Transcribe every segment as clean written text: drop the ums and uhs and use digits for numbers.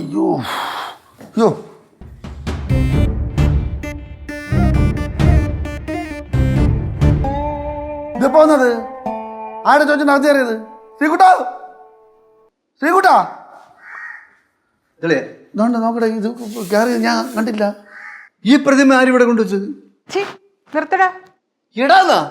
അയ്യോ അയ്യോ ഇത് പോന്നത് ആരുടെ ചോദിച്ചു നടത്തി കയറിയത്? ശ്രീകുട്ടാ ശ്രീകുട്ടാ ഇതുകൊണ്ട് നോക്കട്ടെ, ഇത് കയറി ഞാൻ കണ്ടില്ല. ഈ പ്രതിമ ആരിവിടെ കൊണ്ടുവച്ചത്? നിർത്തടാ. ഇടാന്നാ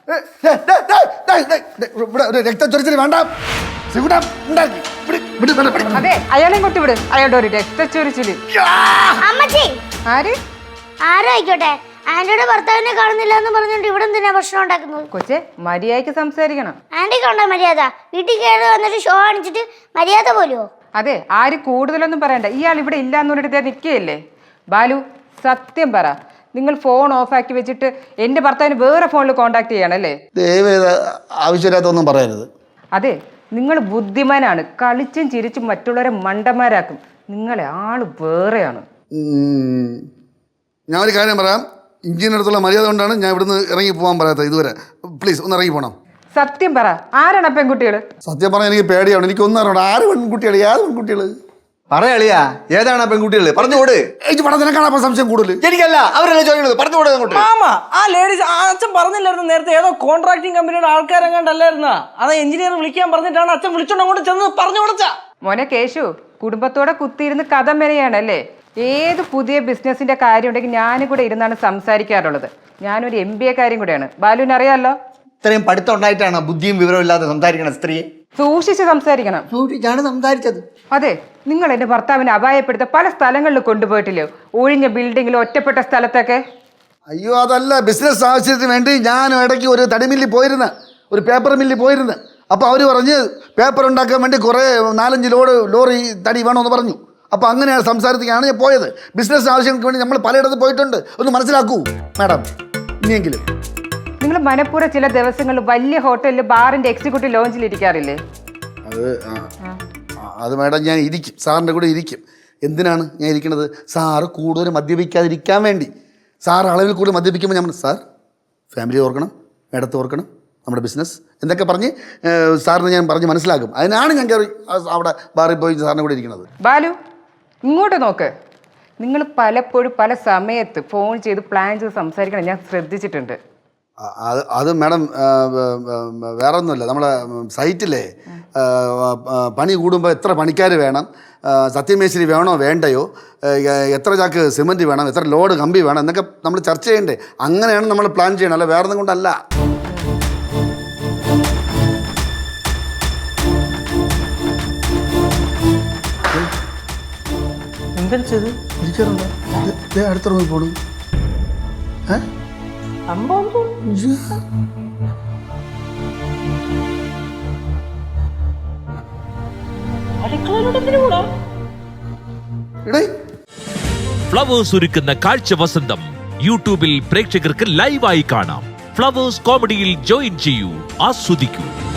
രക്തച്ചൊരിച്ചിരി വേണ്ട. ശ്രീകുട്ടാ അതെ, അയാളെയും കൊട്ടി വിട്. അയാളുടെ ഒരു രക്തച്ചൊരിച്ചില്. ആര് ആരോ ആയിക്കോട്ടെ, ആന്റിയുടെ ഭർത്താവിനെ കാണുന്നില്ല എന്ന് പറഞ്ഞിട്ട് ഇവിടെ എന്തിനാ ഭക്ഷണം ഉണ്ടാക്കുന്നത്? കൊച്ചെ, മര്യാദയ്ക്ക് സംസാരിക്കണം. ആന്റിക്ക് ഉണ്ടോ മര്യാദ? വീട്ടിൽ കയറി വന്നിട്ട് ഷോ കാണിച്ചിട്ട് മര്യാദ പോലുമോ? അതെ, ആര് കൂടുതലൊന്നും പറയണ്ട. ഇയാൾ ഇവിടെ ഇല്ലാന്ന് പറഞ്ഞിട്ട് നിൽക്കുകയല്ലേ. ബാലു, സത്യം പറ, നിങ്ങൾ ഫോൺ ഓഫാക്കി വെച്ചിട്ട് എൻ്റെ ഭർത്താവിന് വേറെ ഫോണിൽ കോണ്ടാക്ട് ചെയ്യണല്ലേ? ആവശ്യമില്ലാത്തൊന്നും പറയരുത്. അതെ, നിങ്ങൾ ബുദ്ധിമാനാണ്. കളിച്ചും ചിരിച്ചും മറ്റുള്ളവരെ മണ്ടന്മാരാക്കും. നിങ്ങളെ ആള് വേറെയാണ്. ഞാൻ ഒരു കാര്യം പറയാം, ഇഞ്ചിനടുത്തുള്ള മര്യാദ കൊണ്ടാണ് ഞാൻ ഇവിടുന്ന് ഇറങ്ങി പോകാൻ പറയാത്തത് ഇതുവരെ. പ്ലീസ് ഒന്ന് ഇറങ്ങി പോകണം. സത്യം പറ, ആരാണ് പെൺകുട്ടികള്? സത്യം പറഞ്ഞാൽ എനിക്ക് പേടിയാണ്. എനിക്ക് ഒന്നും അറിയണം. ആര് പെൺകുട്ടികള്? ഏത് പെൺകുട്ടികള്? പറയാളിയാ, ഏതാണ് ആ പെൺകുട്ടികള്? പറഞ്ഞുകൂട്. നിനക്കാണ് സംശയം കൂടുതൽ. എനിക്കല്ല, അവരല്ലേ ചോദിക്കുന്നത്. പറഞ്ഞുകൂടെ അങ്ങോട്ട്. മാമാ, ആ ലേഡീസ് അച്ഛൻ പറഞ്ഞില്ലായിരുന്നു നേരത്തെ ഏതോ കോൺട്രാക്ടിങ് കമ്പനിയുടെ ആൾക്കാരെങ്ങാണ്ടല്ലായിരുന്ന? അത് എഞ്ചിനീയർ വിളിക്കാൻ പറഞ്ഞിട്ടാണ് അച്ഛൻ വിളിച്ചോണ്ട് അങ്ങോട്ട് ചെന്ന് പറഞ്ഞു കൊടുത്ത. മോനെ കേശു, കുടുംബത്തോടെ കുത്തിയിരുന്ന് കഥ മെനയാണല്ലേ? ഏത് പുതിയ ബിസിനസിന്റെ കാര്യം ഉണ്ടെങ്കിൽ ഞാനും കൂടെ ഇരുന്നാണ് സംസാരിക്കാറുള്ളത്. ഞാനൊരു MBA കാര്യം കൂടെയാണ്. ബാലുവിന് അറിയാമല്ലോ. ഇത്രയും പഠിത്തം ഉണ്ടായിട്ടാണ് ബുദ്ധിയും വിവരവും ഇല്ലാതെ സംസാരിക്കണം സ്ത്രീയെ. സൂക്ഷിച്ച് സംസാരിക്കണം. സൂക്ഷിച്ചാണ് സംസാരിച്ചത്. അതെ, നിങ്ങൾ എൻ്റെ ഭർത്താവിനെ അപായപ്പെടുത്ത പല സ്ഥലങ്ങളിൽ കൊണ്ടുപോയിട്ടില്ലേ? ഒഴിഞ്ഞ ബിൽഡിങ്ങിലും ഒറ്റപ്പെട്ട സ്ഥലത്തൊക്കെ. അയ്യോ, അതല്ല, ബിസിനസ് ആവശ്യത്തിന് വേണ്ടി ഞാൻ ഇടയ്ക്ക് ഒരു തടി മില്ലിൽ പോയിരുന്ന, ഒരു പേപ്പർ മില്ലിൽ പോയിരുന്ന. അപ്പോൾ അവർ പറഞ്ഞ് പേപ്പർ ഉണ്ടാക്കാൻ വേണ്ടി കുറേ 4-5 ലോറി തടി വേണമെന്ന് പറഞ്ഞു. അപ്പോൾ അങ്ങനെയാണ് സംസാരത്തിലാണ് ഞാൻ പോയത്. ബിസിനസ് ആവശ്യങ്ങൾക്ക് വേണ്ടി നമ്മൾ പലയിടത്ത് പോയിട്ടുണ്ട്. ഒന്ന് മനസ്സിലാക്കൂ മാഡം, ഇനിയെങ്കിലും. നിങ്ങൾ മനഃപൂർവ്വം ചില ദിവസങ്ങളിൽ വലിയ ഹോട്ടലിൽ ബാറിന്റെ എക്സിക്യൂട്ടീവ് ലോഞ്ചിൽ ഇരിക്കാറില്ലേ? അത് മാഡം ഞാൻ ഇരിക്കും, സാറിൻ്റെ കൂടെ ഇരിക്കും. എന്തിനാണ് ഞാൻ ഇരിക്കുന്നത്? സാറ് കൂടുതൽ മദ്യപിക്കാതിരിക്കാൻ വേണ്ടി. സാർ അളവിൽ കൂടുതൽ മദ്യപിക്കുമ്പോൾ ഞാൻ സാർ ഫാമിലി ഓർക്കണം, മേഡത്തെ ഓർക്കണം, നമ്മുടെ ബിസിനസ് എന്നൊക്കെ പറഞ്ഞ് സാറിന് ഞാൻ പറഞ്ഞ് മനസ്സിലാക്കും. അതിനാണ് ഞാൻ കയറി അവിടെ ബാറിൽ പോയി സാറിൻ്റെ കൂടെ ഇരിക്കുന്നത്. ബാലു, ഇങ്ങോട്ട് നോക്ക്. നിങ്ങൾ പലപ്പോഴും പല സമയത്ത് ഫോൺ ചെയ്ത് പ്ലാൻ ചെയ്ത് സംസാരിക്കണം ഞാൻ ശ്രദ്ധിച്ചിട്ടുണ്ട്. അത് മാഡം വേറെ ഒന്നുമില്ല. നമ്മളെ സൈറ്റിലെ പണി കൂടുമ്പോൾ എത്ര പണിക്കാർ വേണം, സത്യമേശ്വരി വേണോ വേണ്ടയോ, എത്ര ചാക്ക് സിമൻറ്റ് വേണം, എത്ര ലോഡ് കമ്പി വേണം എന്നൊക്കെ നമ്മൾ ചർച്ച ചെയ്യണ്ടേ. അങ്ങനെയാണ് നമ്മൾ പ്ലാൻ ചെയ്യണം, അല്ല വേറെ ഒന്നും കൊണ്ടല്ല. എന്താ ചെയ്ത് ഇരിക്കാറുണ്ട് അടുത്ത റൂമിൽ പോണു. ഫ്ലവേഴ്സ് ഒരുക്കുന്ന കാഴ്ച വസന്തം യൂട്യൂബിൽ പ്രേക്ഷകർക്ക് ലൈവായി കാണാം. ഫ്ലവേഴ്സ് കോമഡിയിൽ ജോയിൻ ചെയ്യൂ, ആസ്വദിക്കൂ.